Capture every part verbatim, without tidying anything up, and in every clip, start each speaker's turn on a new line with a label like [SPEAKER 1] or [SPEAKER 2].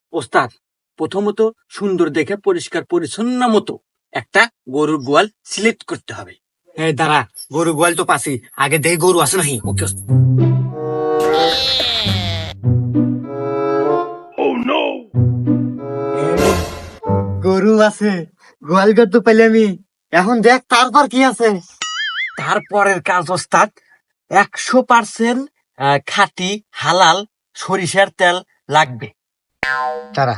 [SPEAKER 1] ওস্তাদ, প্রথমত সুন্দর দেখে পরিষ্কার পরিচ্ছন্ন মতো একটা গরুর গোয়াল সিলেক্ট করতে হবে।
[SPEAKER 2] এই দাঁড়া, গরু গোয়াল তো পাশে, আগে দেই গরু আছে নাকি। ওকে গরু আছে, গোয়াল ঘর তো পেলে আমি। এখন দেখ তারপর কি আছে।
[SPEAKER 1] তারপরের কাজ ওস্তাদ, একশো পার্সেন্ট খাঁটি হালাল সরিষার তেল লাগবে।
[SPEAKER 2] তারা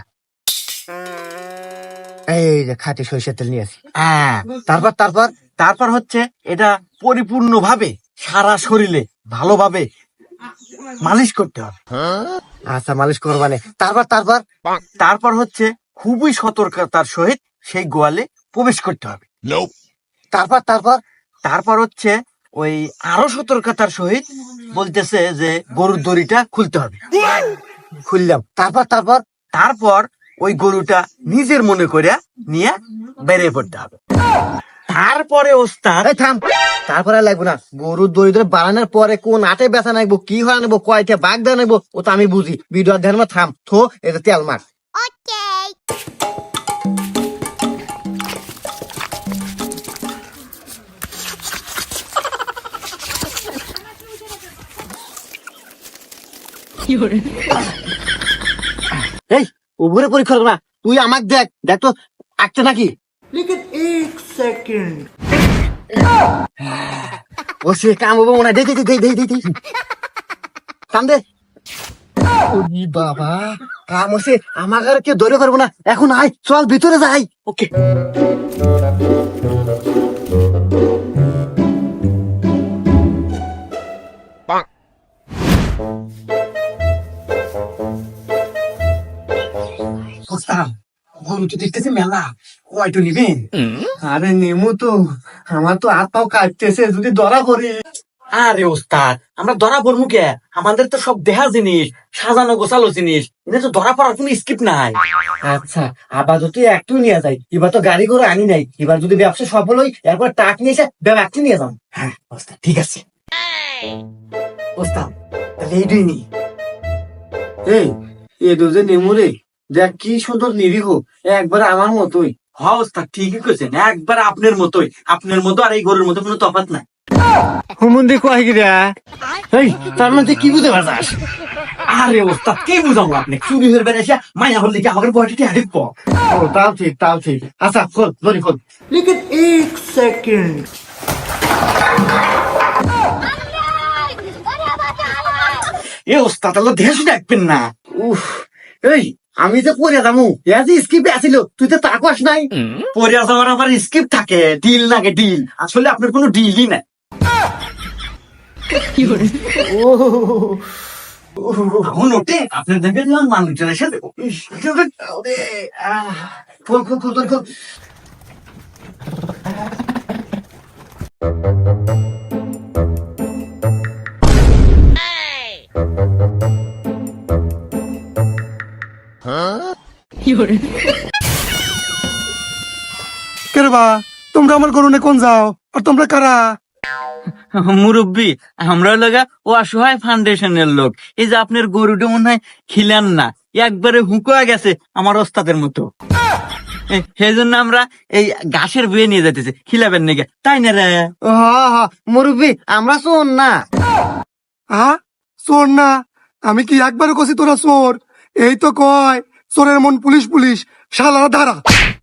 [SPEAKER 2] এই যে খাঁটি সরিষার তেল নিয়ে আসি।
[SPEAKER 1] হ্যাঁ,
[SPEAKER 2] তারপর তারপর
[SPEAKER 1] তারপর হচ্ছে এটা পরিপূর্ণ ভাবে সারা শরীরে ভালোভাবে মালিশ করতে হবে।
[SPEAKER 2] আচ্ছা, মালিশ করবানে। তারপর তারপর
[SPEAKER 1] তারপর হচ্ছে খুবই সতর্কতার সহিত সেই গোয়ালে প্রবেশ করতে হবে।
[SPEAKER 2] তারপর তারপর
[SPEAKER 1] তারপর হচ্ছে ওই আরো সতর্কতার সহিত বলতেছে যে গরুর দড়িটা খুলতে হবে।
[SPEAKER 2] খুললাম। তারপর তারপর
[SPEAKER 1] তারপর ওই গরুটা নিজের মনে করে নিয়ে বেরিয়ে পড়তে হবে। তারপরে ওস্তাদ,
[SPEAKER 2] এই থাম, তারপরে আর লাগবো না। গরুর দড়ি ধরে বাড়ানোর পরে কোন আটে ব্যথা নাকবো, কি হয় নেবো, কয়টা বাঘ দেওয়া নেবো, ও তো আমি বুঝি। ভিডিও ধ্যান মা থাম থো, এটা তেল মার। এই উপরে পরীক্ষা করবো না, তুই আমাকে দেখ, দেখ তো আঁকছে নাকি। ও সে কাম হবো মনে হয়। দে দে দে দে দে দে কাম দে। ওরে বাবা, কাম হচ্ছে। আমাকে আর কেউ ধরে পারবো না। এখন আয়, চল ভিতরে যাই।
[SPEAKER 1] ওকে।
[SPEAKER 2] গরু তো দেখতেছি মেলা, কয়টো নিবেন? আরে নেমু তো, আমার তো হাত পাও কাটতেছে, যদি ধরা পড়ি।
[SPEAKER 1] আরে ওস্তাদ, আমরা ধরা পড়বো কে? আমাদের তো সব দেহা জিনিস, সাজানো গোছালো জিনিস, এটা তো ধরা পড়ার কোনো স্কিপ নাই।
[SPEAKER 2] আচ্ছা, আপাতত একটু নিয়ে যাই। এবার তো গাড়ি করে আনি নাই, এবার যদি ব্যবসা সফল হই, এরপর টাক নিয়ে এসে একটু নিয়ে যাম। হ্যাঁ ওস্তাদ, ঠিক আছে। ওস্তাদ, তাহলে এইটাই নি। এই এ দুজে নেমু রে, দেখ কি সুন্দর নিরীহ, একবার আমার মতোই।
[SPEAKER 1] হ্যাঁ ওস্তাদ, ঠিকই কইছেন, একবার আপনার মতোই। আপনার মতো আর এই গরুর মতো কোনো তফাৎ নাই।
[SPEAKER 2] হুমুন্দি কয় গিরা, এই তার মধ্যে কি বুঝতে পারছাস?
[SPEAKER 1] আরে ওস্তাদ, কি বুঝাবো আপনি? চুরি হয়ে বেড়েছে মাইয়া হলে কি আমাদের বয়টিতে হারিপ।
[SPEAKER 2] ও তাও ঠিক, তাও ঠিক। আচ্ছা খোল, দড়ি খোল।
[SPEAKER 3] लेकिन एक सेकंड
[SPEAKER 1] এ ওস্তাদ, আল্লাহ দেশ দেখবেন না।
[SPEAKER 2] উফ, এই আমি যে পড়ে যাবো, স্কিপে আসিল, তুই তো তাকাস নাই।
[SPEAKER 1] পরে যাওয়ার আবার স্কিপ থাকে, ডিল লাগে ডিল। আসলে আপনার কোনো ডিলই নাই। এখন ওঠে আপনার দেখে দিলাম মানুষজন এসে দেবো।
[SPEAKER 2] খোল খোল খোল, দড়ি খোল।
[SPEAKER 3] কে রে বা, তোমরা আমার গরুনে কোন যাও, আর তোমরা কারা?
[SPEAKER 1] মুরব্বী, আমরা লাগা ও অসহায় ফাউন্ডেশনের লোক। এই যে আপনার গরুটা মনে হয় খিলেন না, একবারে হুঁকোয়া গেছে আমার ওস্তাদের মতো। সেই জন্য আমরা এই ঘাসের বয়ে নিয়ে যেতেছি, খিলাবেন নাকি, তাই না রে?
[SPEAKER 2] হ্যাঁ হ্যাঁ মুরব্বী, আমরা শোন না।
[SPEAKER 3] হ্যাঁ চোর না? আমি কি একবারও কছি তোরা চোর? এই তো কয় চোরের মন পুলিশ পুলিশ, শালা ধারা।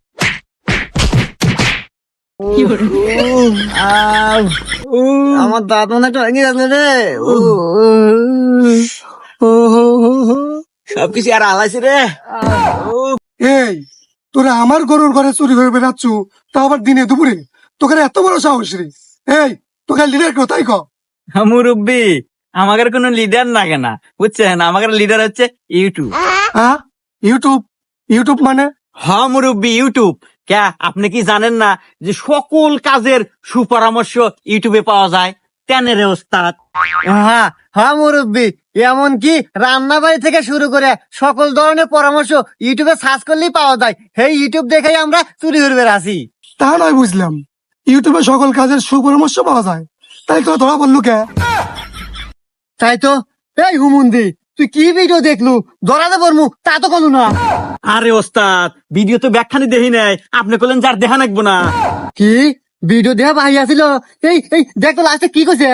[SPEAKER 2] আমার দাঁত মনে একটা ভেঙে গেছে রে।
[SPEAKER 1] সবকিছু আর আলাইছে রে।
[SPEAKER 3] এই তোরা আমার গরুর ঘরে চুরি করে বেড়াচ্ছ, তা আবার দিনে দুপুরে? তোকে এত বড় সাহস রে? এই তোকে লিডার কেউ তাই ক?
[SPEAKER 1] মুরব্বী, আমাদের কোনো লিডার লাগে না, বুঝছেন? আমাদের লিডার হচ্ছে ইউটিউব।
[SPEAKER 3] হ্যাঁ ইউটিউব? ইউটিউব মানে?
[SPEAKER 1] হ্যাঁ মুরব্বী, ইউটিউব। কে আপনি কি জানেন না যে সকল কাজের সুপরামর্শ ইউটিউবে পাওয়া যায়? তেনে রে ওস্তাদ।
[SPEAKER 2] হ্যাঁ হ্যাঁ মুরব্বী, এমনকি রান্না বাড়ি থেকে শুরু করে সকল ধরনের পরামর্শ ইউটিউবে সার্চ করলেই পাওয়া যায়। সেই ইউটিউব দেখেই আমরা চুরি করবে আসি।
[SPEAKER 3] তা নয় বুঝলাম, ইউটিউবে সকল কাজের সুপরামর্শ পাওয়া যায়, তাই তোরা ধরা পড়লো কে?
[SPEAKER 2] তাই তো। এই হুমুন্দি, তুই কি ভিডিও দেখলু ধরাতে পারমু তা তো কোনো না।
[SPEAKER 1] আরে ওস্তাদ ভিডিও তো ব্যাখ্যানি দেখি নাই, আপনি বললেন যার দেখা নাকবো না।
[SPEAKER 2] কি ভিডিও দেখা ভাই আছিল? এই এই দেখ তো লাস্টে কি কইছে।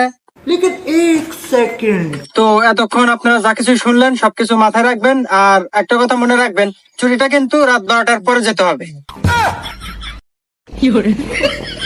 [SPEAKER 3] তো এতক্ষণ আপনারা যা কিছু শুনলেন সবকিছু মাথায় রাখবেন, আর একটা কথা মনে রাখবেন, চুরিটা কিন্তু রাত বারোটার পরে যেতে হবে।